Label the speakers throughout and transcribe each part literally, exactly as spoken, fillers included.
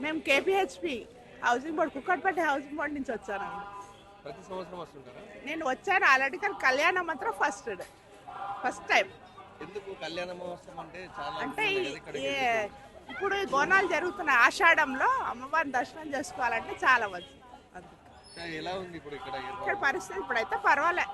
Speaker 1: మేము KPHB housing board Kukatpally housing board నుంచి వచ్చాను.
Speaker 2: ప్రతి సంవత్సరం వస్తుంటారా?
Speaker 1: నేను వచ్చాను ఆల్రెడీ, కానీ కళ్యాణం మాత్రం ఫస్ట్ ఫస్ట్ టైం.
Speaker 2: ఎందుకు కళ్యాణ మహోత్సవం అంటే చాలా
Speaker 1: అంటే
Speaker 2: ఉంటుంది
Speaker 1: ఈ-
Speaker 2: కదా ఇక్కడికి
Speaker 1: ఈ-
Speaker 2: ఎందుకు?
Speaker 1: ఇప్పుడు ఈ బోనాలు జరుగుతున్నాయి ఆషాఢంలో, అమ్మవారిని దర్శనం చేసుకోవాలంటే చాలా మంచి. అందుకే
Speaker 2: ఇంకా ఎలా ఉంది ఇప్పుడు ఇక్కడ ఏర్పాటు?
Speaker 1: ఇక్కడ పరిస్థితి ఇప్పుడైతే పర్వాలే,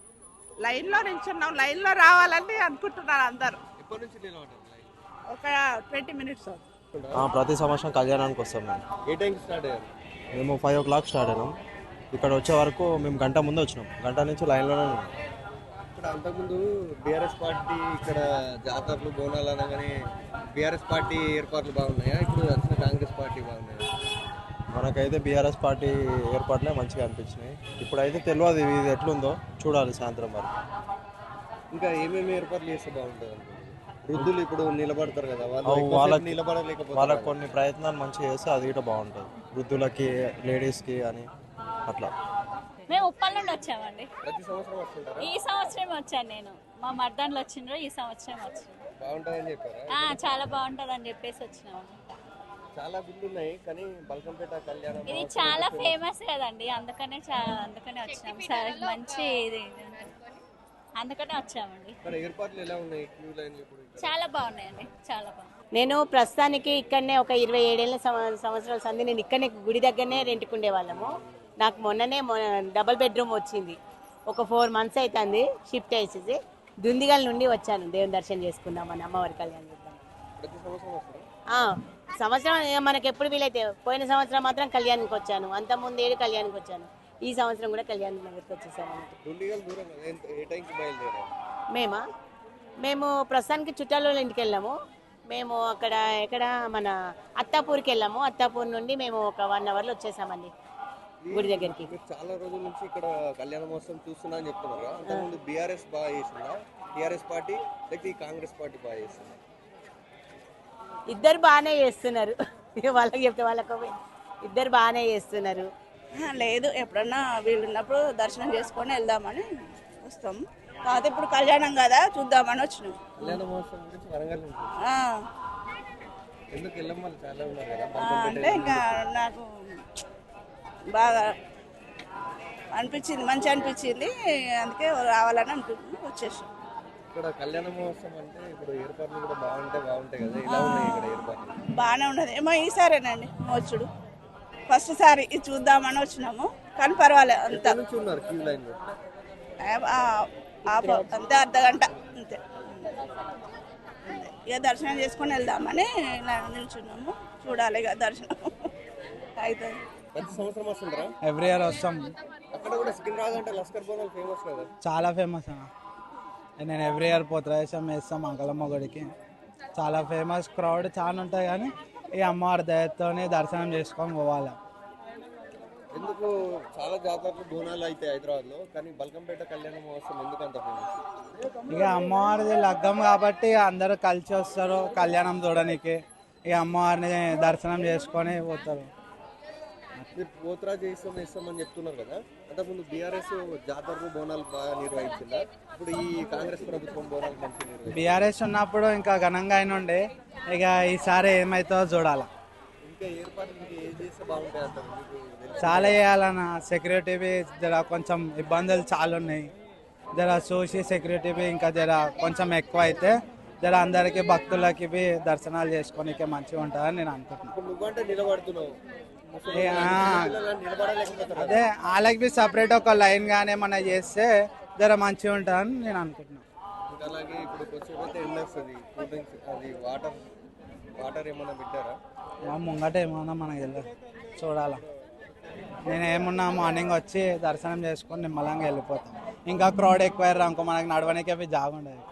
Speaker 1: లైన్లో నిల్చున్నాం, లైన్లో రావాలని అనుకుంటున్నారు అందరూ.
Speaker 2: ఎప్పటి నుంచి నిలబడ్డారు లైన్?
Speaker 1: ఒక ట్వంటీ మినిట్స్
Speaker 3: ఆ, ప్రతి సంవత్సరం కళ్యాణానికి వస్తాం మేము.
Speaker 2: ఏ టైంకి స్టార్ట్ అయ్యారు?
Speaker 3: మేము ఫైవ్ ఓ క్లాక్ స్టార్ట్ అయినాం. ఇక్కడ వచ్చే వరకు మేము గంట ముందు వచ్చినాం, గంట నుంచి లైన్లోనే ఉన్నాం.
Speaker 2: ఇక్కడ అంతకుముందు బీఆర్ఎస్ పార్టీ ఇక్కడ జాతరలు బోనాలు అనగానే బీఆర్ఎస్ పార్టీ ఏర్పాట్లు బాగున్నాయా, ఇప్పుడు వచ్చిన కాంగ్రెస్ పార్టీ బాగున్నాయా?
Speaker 3: మనకైతే బీఆర్ఎస్ పార్టీ ఏర్పాట్లే మంచిగా అనిపించినాయి. ఇప్పుడైతే తెలియదు ఇది ఎట్లుందో, చూడాలి సాయంత్రం వరకు.
Speaker 2: ఇంకా ఏమేమి ఏర్పాట్లు చేస్తే బాగుంటుంది అనుకుంటున్నారు? వృద్ధులు ఇప్పుడు నిలబడతారు కదా, వాళ్ళు
Speaker 3: అవు
Speaker 2: ఎక్కువసేపు
Speaker 3: వాళ్ళకి
Speaker 2: నిలబడలేకపోతారు
Speaker 3: వాళ్ళకి
Speaker 2: కదా.
Speaker 3: కొన్ని ప్రయత్నాలు మంచిగా చేస్తే అది కూడా బాగుంటుంది, వృద్ధులకి లేడీస్కి అని అట్లా.
Speaker 4: మేము ఉప్పల్ నుండి వచ్చామండి.
Speaker 2: ప్రతి సంవత్సరం వస్తుంటారా?
Speaker 4: ఈ సంవత్సరం వచ్చాను నేను, మా మర్దాన్లు వచ్చిండ్రు, ఈ సంవత్సరం వచ్చాను.
Speaker 2: బాగుంటుందని చెప్పారా?
Speaker 4: ఆ, చాలా బాగుంటుంది అని చెప్పేసి వచ్చినాము.
Speaker 2: చాలా గుళ్ళు ఉన్నాయి కానీ బల్కంపేట కళ్యాణం
Speaker 4: ఇది చాలా ఫేమస్ కదండి, అందుకనే చా- అందుకనే వచ్చినాము. సరే, మంచి ఇది అందుకనే వచ్చామండి.
Speaker 2: ఇక్కడ ఏర్పాట్లు ఎలా ఉన్నాయి? క్యూ లైన్లు ఇప్పుడు ఇక్కడ?
Speaker 4: చాలా బాగున్నాయండి, చాలా బాగుంది.
Speaker 5: నేను ప్రస్తుతానికి ఇక్కడనే ఒక ఇరవై ఏడేళ్ళ సంవ- సంవత్సరాల సంది నేను ఇక్కడనే గుడి దగ్గరనే రెంట్కుండే వాళ్ళము. నాకు మొన్ననే డబుల్ బెడ్రూమ్ వచ్చింది, ఒక ఫోర్ మంత్స్ అవుతుంది షిఫ్ట్ అయ్యేసి. దుందిగల్ నుండి వచ్చాను దేవుని దర్శనం చేసుకుందామని, అమ్మవారి కళ్యాణం చేద్దాం.
Speaker 2: ప్రతి సంవత్సరం వస్తారా?
Speaker 5: ఆ, సంవత్సరం ఇక మనకి ఎప్పుడు వీలైతే, పోయిన సంవత్సరం మాత్రం కళ్యాణానికి వచ్చాను, అంత ముందు ఏడు కళ్యాణానికి వచ్చాను, ఈ సంవత్సరం కూడా కళ్యాణ నగర్కి వచ్చేసాను అన్నట్టు.
Speaker 2: దుండిగల్ దూరం కదా, ఎంత- ఏ టైంకి బయలుదేరారు?
Speaker 5: మేమా మేము ప్రస్తుతానికి చుట్టాల వాళ్ళ ఇంటికి వెళ్ళాము. మేము అక్కడ ఎక్కడ మన అత్తాపూర్కి వెళ్ళాము, అత్తాపూర్ నుండి మేము ఒక వన్ అవర్లో వచ్చేసామండి గుడి దగ్గరికి.
Speaker 2: మీరు చాలా రోజుల నుంచి ఇక్కడ కళ్యాణ మహోత్సవం చూస్తున్నా అని చెప్తున్నారు కదా, అంతకుముందు బీఆర్ఎస్ బాగా చేసిందా, టీఆర్ఎస్ పార్టీ లేకపోతే ఈ కాంగ్రెస్ పార్టీ బాగా చేసిందా?
Speaker 5: ఇద్దరు బాగానే చేస్తున్నారు, ఇక వాళ్ళకి చెప్తే వాళ్ళకు ఇద్దరు బాగానే చేస్తున్నారు.
Speaker 1: లేదు, ఎప్పుడన్నా వీలున్నప్పుడు దర్శనం చేసుకొని వెళ్దామని వస్తాం. కాకపోతే ఇప్పుడు కళ్యాణం కదా, చూద్దామని వచ్చినాం.
Speaker 2: కళ్యాణ మహోత్సవం గురించి వరంగల్ ఉంటుంది,
Speaker 1: ఆ,
Speaker 2: ఎందుకు వెళ్ళం వాళ్ళు చాలా ఉన్నారు కదా,
Speaker 1: ఆ,
Speaker 2: బల్కంపేట
Speaker 1: అంటే ఇంకా నాకు బాగా అనిపించింది, మంచి అనిపించింది, అందుకే రావాలని అనుకుంటున్నాం, వచ్చేసాం.
Speaker 2: ఇక్కడ కళ్యాణ మహోత్సవం అంటే ఇప్పుడు ఏర్పాట్లు కూడా బాగుంటాయి బాగుంటాయి కదా, ఇలా ఉన్నాయి ఇక్కడ ఏర్పాట్లు?
Speaker 1: బాగానే ఉన్నది. ఏమో ఈసారేనండి వచ్చుడు, ఫస్ట్ సారి ఇది చూద్దామని వచ్చినాము, కానీ పర్వాలేదు అంత
Speaker 2: ఎక్కడి నుంచి ఉన్నారు క్యూ లైన్ లో?
Speaker 1: అంతే, అర్ధ గంట అంతే. ఇక దర్శనం చేసుకొని వెళ్దామని ఇలా నిల్చున్నాము, చూడాలి ఇక దర్శనం అవుతుంది.
Speaker 2: ప్రతి సంవత్సరం వస్తుంటారా?
Speaker 6: ఎవ్రీ ఇయర్ వస్తాం.
Speaker 2: అక్కడ కూడా సికింద్రాబాద్ అంటే లస్కర్ బోనాలు ఫేమస్ కదా.
Speaker 6: చాలా ఫేమస్ అన్న, నేను ఎవ్రీ ఇయర్ పోతరాజం వేస్తాం అంకలమ్మ గుడికి. చాలా ఫేమస్, క్రౌడ్ చాలా ఉంటుంది కానీ ఈ అమ్మవారి దయతోనే దర్శనం చేసుకొని పోవాలి.
Speaker 2: ఎందుకు చాలా జాతరలు బోనాలు అయితే హైదరాబాద్ లో, కానీ బల్కంపేట కళ్యాణ మహోత్సవం ఎందుకు అంత ఫేమస్?
Speaker 6: ఇక అమ్మవారిది లగ్గం కాబట్టి అందరూ కలిసి వస్తారు కళ్యాణం చూడడానికి, ఇక అమ్మవారిని దర్శనం చేసుకొని పోతారు.
Speaker 2: మీరు పోతరాజు చేస్తాం ఇస్తామని చెప్తున్నారు కదా, అంతకుముందు బీఆర్ఎస్ జాతరలు బోనాలు బాగా నిర్వహించిందా, ఇప్పుడు ఈ కాంగ్రెస్ ప్రభుత్వం బోనాలు మంచిగా నిర్వహించింది?
Speaker 6: బీఆర్ఎస్ ఉన్నప్పుడు ఇంకా ఘనంగా అయిన ఉండే, ఇక ఈసారి ఏమవుతుందో చూడాలి.
Speaker 2: ఇంకా ఏర్పాట్లు ఇంకా ఏం చేస్తే బాగుంటాయి అంటారు మీకు తెలుసా?
Speaker 6: చాలా చేయాలన్న, సెక్యూరిటీ జర కొంచెం ఇబ్బందులు చాలా ఉన్నాయి, జర చూసి సెక్యూరిటీ ఇంకా జర కొంచెం ఎక్కువ అయితే జర అందరికీ భక్తులకి దర్శనాలు చేసుకోనికి మంచిగా ఉంటుందని నేను అనుకుంటున్నాను.
Speaker 2: ఇప్పుడు నువ్వంటే నిలబడుతున్నావు, ముసలి
Speaker 6: ఏ, ఆ.
Speaker 2: పిల్లలు నిలబడలేకపోతారు కదా.
Speaker 6: అదే వాళ్ళకి బి సపరేట్ ఒక లైన్ కానీ ఏమన్నా చేస్తే జర మంచిగా ఉంటుందని నేను అనుకుంటున్నాను.
Speaker 2: ఇంకా అలాగే ఇప్పుడు కొంచెం అయితే ఎండ వస్తుంది, కూల్ డ్రింక్స్ అది వాటర్ వాటర్ ఏమన్నా పెట్టారా?
Speaker 6: మా ముంగట ఏమన్నా మనకి తెలియదు, చూడాలా. నేను ఏమున్నా మార్నింగ్ వచ్చి దర్శనం చేసుకొని నిమ్మలంగా వెళ్ళిపోతాను. ఇంకా క్రౌడ్ ఎక్కువ అనుకో మనకి నడవడానికి అవి జాగుండదు.